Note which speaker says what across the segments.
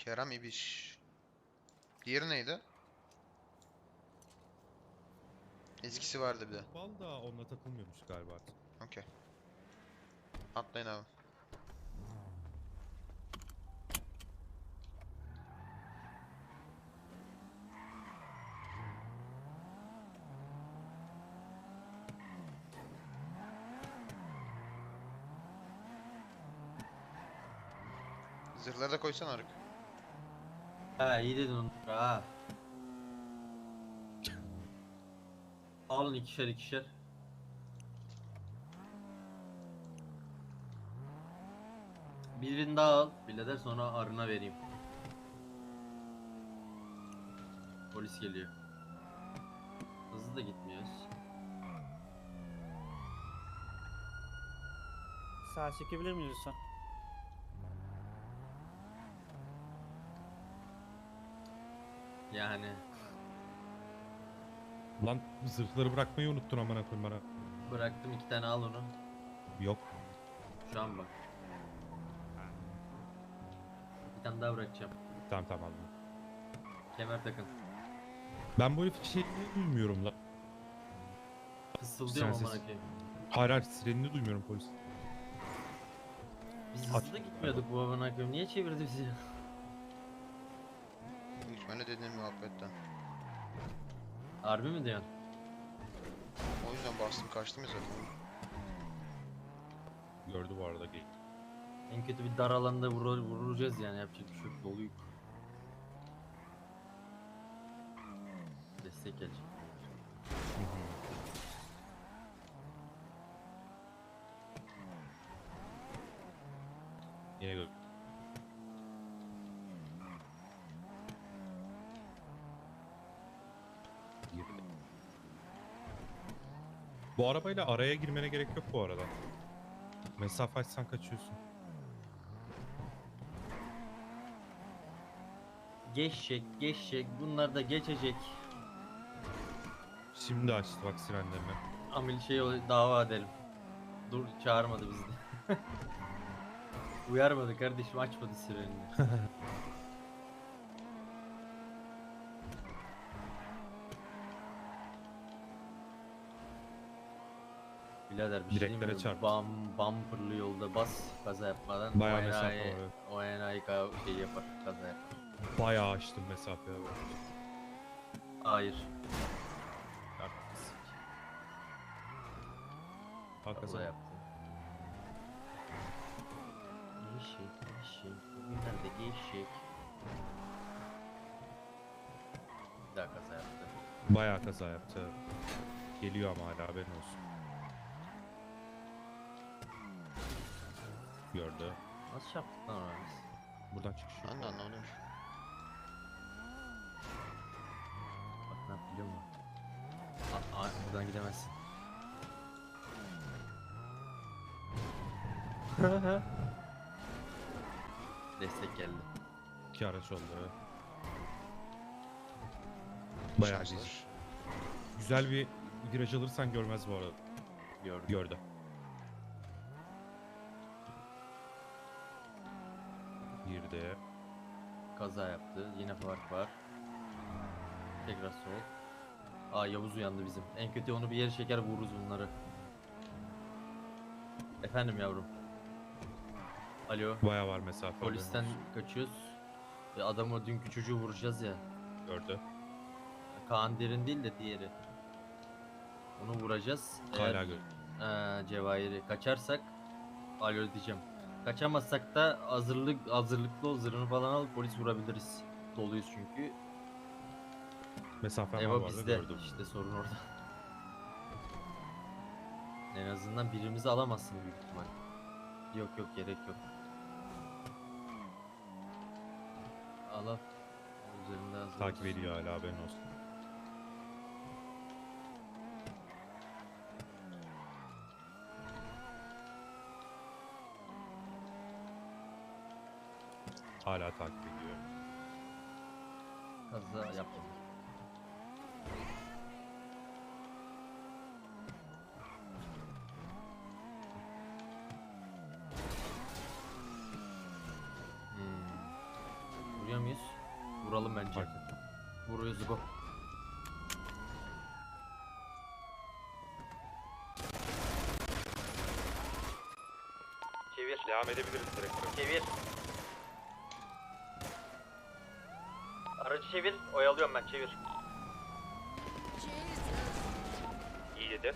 Speaker 1: Kerem İbiş. Diğeri neydi? Eskisi vardı bir de.
Speaker 2: Bal da onunla takılmıyormuş galiba artık.
Speaker 1: Okey. Atlayın abi. Zırhları da koysana Arık.
Speaker 3: Ha iyi dedin onu. Ha. Alın ikişer ikişer. Birini daha al. Birader sonra Arın'a vereyim. Polis geliyor. Hızlı da gitmiyoruz.
Speaker 4: Sağ çekebilir miyiz lütfen?
Speaker 3: Yani
Speaker 2: Lan zırhları bırakmayı unuttun amına koyayım bana.
Speaker 3: bıraktım, iki tane al onu.
Speaker 2: Yok.
Speaker 3: Şu an bak. Bir tane daha bırakacağım.
Speaker 2: Tamam tamam aldım.
Speaker 3: Kemer takın.
Speaker 2: Ben bu herif şeyini duymuyorum lan.
Speaker 3: Fısıldıyorum
Speaker 2: Sensiz.
Speaker 3: amına koyayım.
Speaker 2: Hayır hayır sirenini duymuyorum polis.
Speaker 3: Biz
Speaker 2: Aç.
Speaker 3: hızlı gitmiyorduk bu amına koyayım. Niye çevirdi bizi?
Speaker 1: Büyük ihtimalle dediğim muhabbetten.
Speaker 3: Harbi mi diyorsun?
Speaker 1: O yüzden bastım kaçtım ya zaten.
Speaker 2: Gördü bu arada gay.
Speaker 3: En kötü bir dar alanda vuracağız yani, yapacak bir şey yok. Doluyuk. Destek gelecek.
Speaker 2: Yine gör. Girdi. Bu arabayla araya girmene gerek yok bu arada. Mesafe açsan kaçıyorsun.
Speaker 3: Geçecek, geçecek. Bunlar da geçecek.
Speaker 2: Şimdi açtı bak sirenlerini.
Speaker 3: Amil dava edelim. Dur, çağırmadı bizi de. Uyarmadı kardeşim, açmadı sirenini. Birader bir şey diyeyim
Speaker 2: Direklere
Speaker 3: mi?
Speaker 2: çarp.
Speaker 3: Bumperlı yolda bas, kaza yapmadan.
Speaker 2: Bayağı
Speaker 3: o
Speaker 2: mesafe
Speaker 3: enayi-
Speaker 2: var, evet.
Speaker 3: O enayi şey yapar, kaza yapar.
Speaker 2: Bayağı açtım mesafeyi.
Speaker 3: Hayır. Kaza
Speaker 2: Hakikaten.
Speaker 3: yaptı. Geçecek. Bugünlerde geçecek. Bir daha kaza yaptı.
Speaker 2: Bayağı kaza yaptı. Geliyor ama hala haberin olsun. Gördü.
Speaker 3: Nasıl yaptık lan onu biz?
Speaker 2: Buradan çıkış yok.
Speaker 1: Ben de anlamadım.
Speaker 3: Bak ne yap biliyor musun? Buradan gidemezsin. Destek geldi.
Speaker 2: İki araç oldu. Bayağı
Speaker 1: Şanslar.
Speaker 2: güzel. Güzel bir viraj alırsan görmez bu arada.
Speaker 3: Gördüm.
Speaker 2: Gördü. Girdi.
Speaker 3: Kaza yaptı. Yine fark var. Tekrar sol. Yavuz uyandı bizim. En kötü onu bir yere çeker, vururuz bunları. Efendim yavrum. Alo.
Speaker 2: Bayağı var mesafe.
Speaker 3: Polisten
Speaker 2: haberin olsun.
Speaker 3: kaçıyoruz. Adamı, dünkü çocuğu vuracağız ya.
Speaker 2: Gördü.
Speaker 3: Kaan Derin değil de diğeri. Onu vuracağız.
Speaker 2: Hala gördü.
Speaker 3: Cevahir'i kaçarsak alo diyeceğim. Kaçamazsak da hazırlıklı ol, zırhını falan al, polis vurabiliriz. Doluyuz çünkü.
Speaker 2: Mesafe var bu
Speaker 3: Eva
Speaker 2: arada
Speaker 3: bizde.
Speaker 2: gördüm.
Speaker 3: İşte sorun orada. En azından birimizi alamazsın büyük ihtimal. Yok gerek yok. Al. Üzerinde hazır
Speaker 2: Takip
Speaker 3: olsun.
Speaker 2: ediyor hala haberin olsun. Hala takip ediyor.
Speaker 3: Kaza yaptım. Vuruyor muyuz? Vuralım bence.
Speaker 2: Fark ettim.
Speaker 3: Vuruyoruz go.
Speaker 5: Çevir.
Speaker 6: Devam edebiliriz direkt.
Speaker 5: Çevir. Aracı çevir. Oyalıyorum ben. Çevir.
Speaker 6: İyi dedi.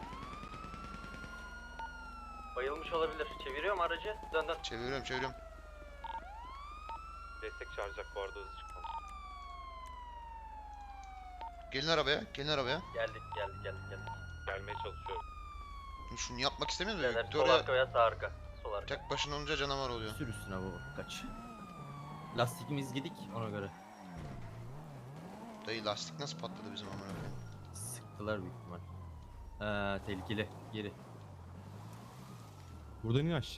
Speaker 5: Bayılmış olabilir. Çeviriyorum aracı. Dön dön.
Speaker 1: Çeviriyorum.
Speaker 6: Destek çağıracak bu arada hızlı çıkmamız.
Speaker 1: Gelin arabaya.
Speaker 5: Geldik.
Speaker 6: Gelmeye çalışıyorum.
Speaker 1: Şimdi şunu yapmak istemiyor musun?
Speaker 5: Beyler, sol
Speaker 1: Victoria
Speaker 5: arka veya sağ arka. Sol arka.
Speaker 1: tek başına olunca canavar oluyor.
Speaker 3: Sür üstüne baba kaç. Lastikimiz gidik ona göre.
Speaker 1: Dayı lastik nasıl patladı bizim amına koyayım?
Speaker 3: Sıktılar büyük ihtimal. Tehlikeli. Geri.
Speaker 2: Buradan in aç.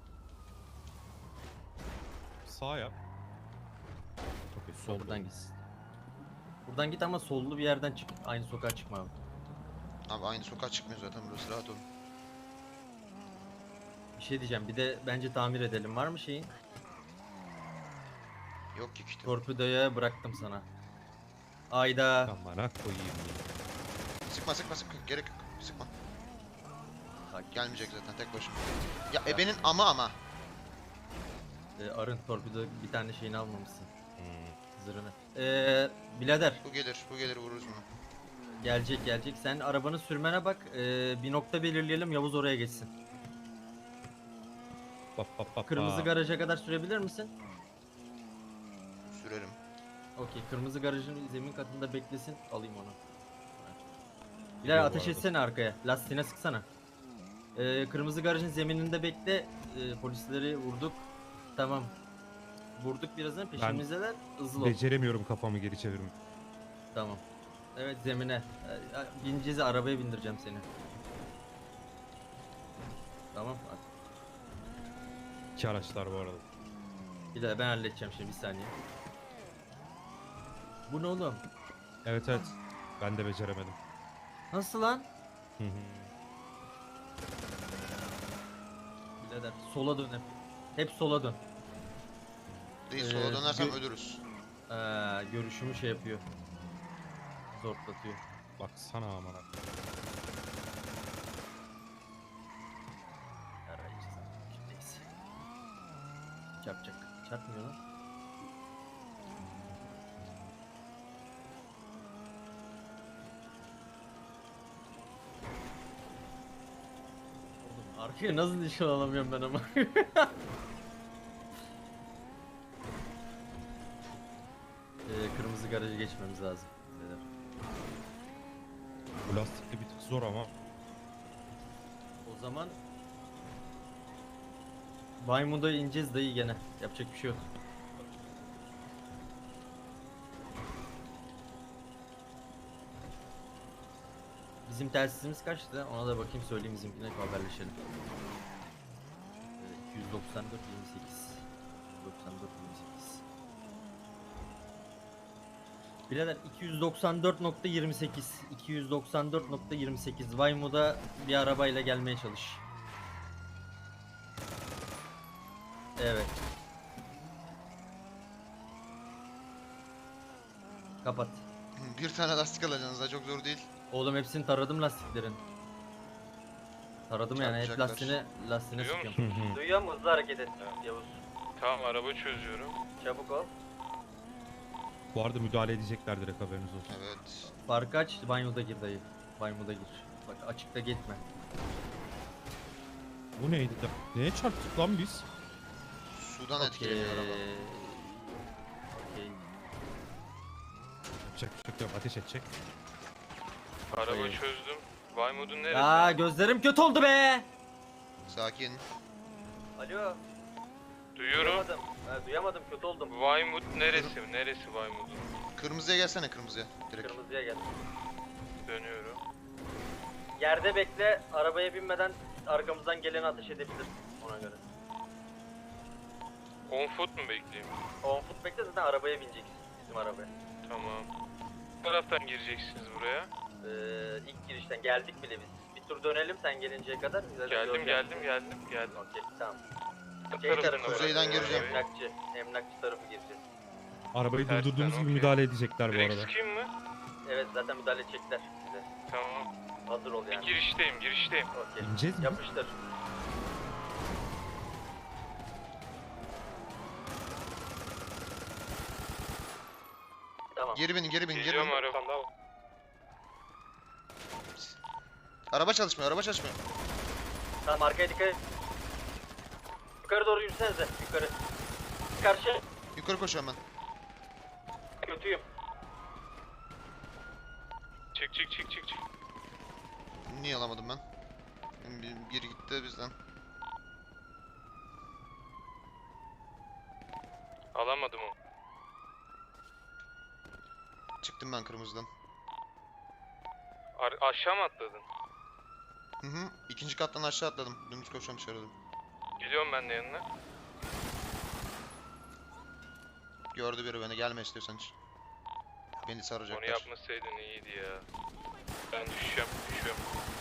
Speaker 2: Sağ yap. Okey sol.
Speaker 3: Buradan gitsin. Buradan git ama sollu bir yerden çık. Aynı sokağa çıkma abi.
Speaker 1: Abi aynı sokağa çıkmıyor zaten burası, rahat olun.
Speaker 3: Bir şey diyeceğim. Bir de bence tamir edelim. Var mı şeyin?
Speaker 1: Yok ki kitap.
Speaker 3: Torpidoya bıraktım sana. Ayda.
Speaker 2: Amına koyayım ya.
Speaker 1: Sıkma, gerek yok. Sıkma.
Speaker 3: Sakin.
Speaker 1: Gelmeyecek zaten tek başına. Ya ebenin ama.
Speaker 3: Arın torpido bir tane şeyini almamışsın.
Speaker 2: Hmm.
Speaker 3: Zırhını. Birader
Speaker 1: Bu gelir vururuz bunu.
Speaker 3: gelecek. Sen arabanı sürmene bak. Bir nokta belirleyelim. Yavuz oraya geçsin. Kırmızı garaja kadar sürebilir misin?
Speaker 1: Sürerim.
Speaker 3: Okey. Kırmızı garajın zemin katında beklesin. Alayım onu. Bilal
Speaker 2: Yok,
Speaker 3: ateş
Speaker 2: bu arada.
Speaker 3: etsene arkaya. Lastiğine sıksana. Kırmızı garajın zemininde bekle. Polisleri vurduk. Tamam. Vurduk birazdan peşimizdeler. Hızlı ol.
Speaker 2: Beceremiyorum kafamı geri çevirmek.
Speaker 3: Tamam. Evet zemine. Bineceğiz, arabaya bindireceğim seni. Tamam. Hadi.
Speaker 2: İki araçlar bu arada.
Speaker 3: Bir daha ben halledeceğim şimdi bir saniye. Bu ne oğlum?
Speaker 2: Evet. Ben de beceremedim.
Speaker 3: Nasıl lan?
Speaker 2: Hı hı.
Speaker 3: Birader sola dön hep. Hep sola dön.
Speaker 1: Değil, sola dönersem
Speaker 3: gö-
Speaker 1: ölürüz.
Speaker 3: Görüşümü şey yapıyor. Zorlatıyor.
Speaker 2: Baksana amına.
Speaker 3: Arayacağız. Neyse. Çarpacak. Çarpmıyor lan. Oğlum arkaya nasıl nişan alamıyorum ben ama. Kırmızı garajı geçmemiz lazım. Beyler.
Speaker 2: Bu lastikli bir tık zor ama.
Speaker 3: O zaman Baymundo'ya ineceğiz dayı gene. Yapacak bir şey yok. Bizim telsizimiz kaçtı? Ona da bakayım söyleyeyim bizimkine haberleşelim. 294 28. 294 28. Birader 294.28 294.28 Vaymo'da bir arabayla gelmeye çalış. Evet. Kapat.
Speaker 1: Bir tane lastik alacaksınız da çok zor değil.
Speaker 3: Oğlum hepsini taradım lastiklerin. Taradım yani hep
Speaker 1: Çarpacaklar.
Speaker 3: lastiğine
Speaker 6: Duyuyor
Speaker 3: sıkıyorum.
Speaker 2: Hı hı.
Speaker 5: Duyuyor musun? Hızlı hareket et. Yavuz.
Speaker 6: Tamam araba çözüyorum.
Speaker 5: Çabuk ol.
Speaker 2: Bu arada müdahale edecekler direkt, haberiniz olsun.
Speaker 1: Evet.
Speaker 3: Farkı aç, banyoda gir dayı. Banyoda gir. Bak açıkta gitme.
Speaker 2: Bu neydi de? Neye çarptık lan biz?
Speaker 1: Sudan etkileniyor araba.
Speaker 3: Okey.
Speaker 2: Yapacak bir şey yok, ateş edecek.
Speaker 6: Araba
Speaker 3: Hayır.
Speaker 6: çözdüm. Vaymud'un neresi?
Speaker 3: Ya gözlerim kötü oldu be.
Speaker 1: Sakin.
Speaker 5: Alo.
Speaker 6: Duyuyorum.
Speaker 5: Duyamadım. Duyamadım. Kötü oldum.
Speaker 6: Vaymud neresi? Neresi Vaymud'un?
Speaker 1: Kırmızıya gelsene, kırmızıya. Direkt.
Speaker 5: Kırmızıya gel.
Speaker 6: Dönüyorum.
Speaker 5: Yerde bekle. Arabaya binmeden arkamızdan geleni ateş edebilir. Ona göre.
Speaker 6: 10 foot mu bekleyeyim?
Speaker 5: 10 foot bekle zaten arabaya bineceksin. Bizim arabaya.
Speaker 6: Tamam. Bu taraftan gireceksiniz buraya.
Speaker 5: İlk girişten geldik bile biz. Bir tur dönelim sen gelinceye kadar. Zaten
Speaker 6: Geldim
Speaker 5: göreceğiz.
Speaker 6: geldim.
Speaker 5: Okey tamam.
Speaker 6: Bu
Speaker 5: Şey
Speaker 6: taraftan
Speaker 5: tarafı
Speaker 1: Kuzeyden
Speaker 6: oraya.
Speaker 1: gireceğim.
Speaker 5: Emlakçı tarafı gireceğiz.
Speaker 2: Arabayı
Speaker 6: Tersten,
Speaker 2: durdurduğumuz gibi
Speaker 6: okey.
Speaker 2: müdahale edecekler bu
Speaker 6: Direkt
Speaker 2: arada.
Speaker 6: sıkayım mı?
Speaker 5: Evet zaten müdahale edecekler bize.
Speaker 6: Tamam.
Speaker 5: Hazır ol yani.
Speaker 6: Girişteyim, girişteyim.
Speaker 5: Okey.
Speaker 2: İneceğiz mi?
Speaker 5: Yapıştır. Tamam.
Speaker 1: Geri binin, geri binin, geri
Speaker 6: Geliyorum
Speaker 1: binin.
Speaker 6: araba.
Speaker 1: Araba çalışmıyor, araba çalışmıyor.
Speaker 5: Tamam arkaya dikkat et. Yukarı doğru yürüsenize. Yukarı. Karşı.
Speaker 1: Yukarı koşuyorum ben.
Speaker 5: Kötüyüm.
Speaker 6: Çık çık çık çık çık.
Speaker 1: Niye alamadım ben? Biri gitti bizden.
Speaker 6: Alamadım o.
Speaker 1: Çıktım ben kırmızıdan.
Speaker 6: Aşağı mı atladın?
Speaker 1: Hı hı. İkinci kattan aşağı atladım. Dümdüz koşuyorum dışarı doğru.
Speaker 6: Geliyorum ben de yanına.
Speaker 1: Gördü biri beni. Gelme istiyorsan hiç. Beni
Speaker 6: Onu
Speaker 1: saracaklar.
Speaker 6: yapmasaydın iyiydi ya. Ben düşüyorum, düşüyorum.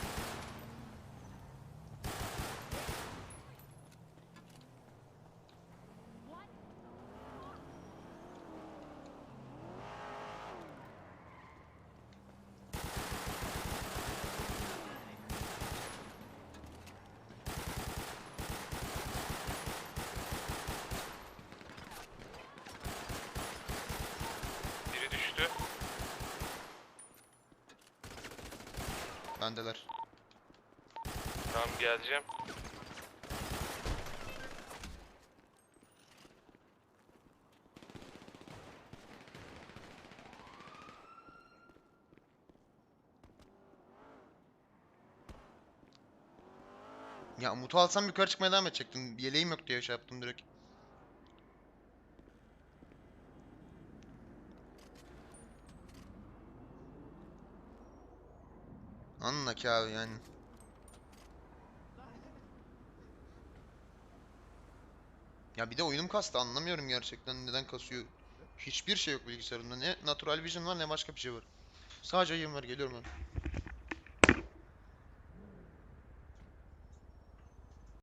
Speaker 6: Biri düştü.
Speaker 1: Bendeler.
Speaker 6: Tamam geleceğim.
Speaker 1: Ya Umut'u alsam yukarı çıkmaya devam edecektim. Yeleğim yok diye şey yaptım direkt. Anla ki abi yani. Ya bir de oyunum kastı, anlamıyorum gerçekten neden kasıyor. Hiçbir şey yok bilgisayarımda. Ne Natural Vision var ne başka bir şey var. Sadece yayın var, geliyorum ben.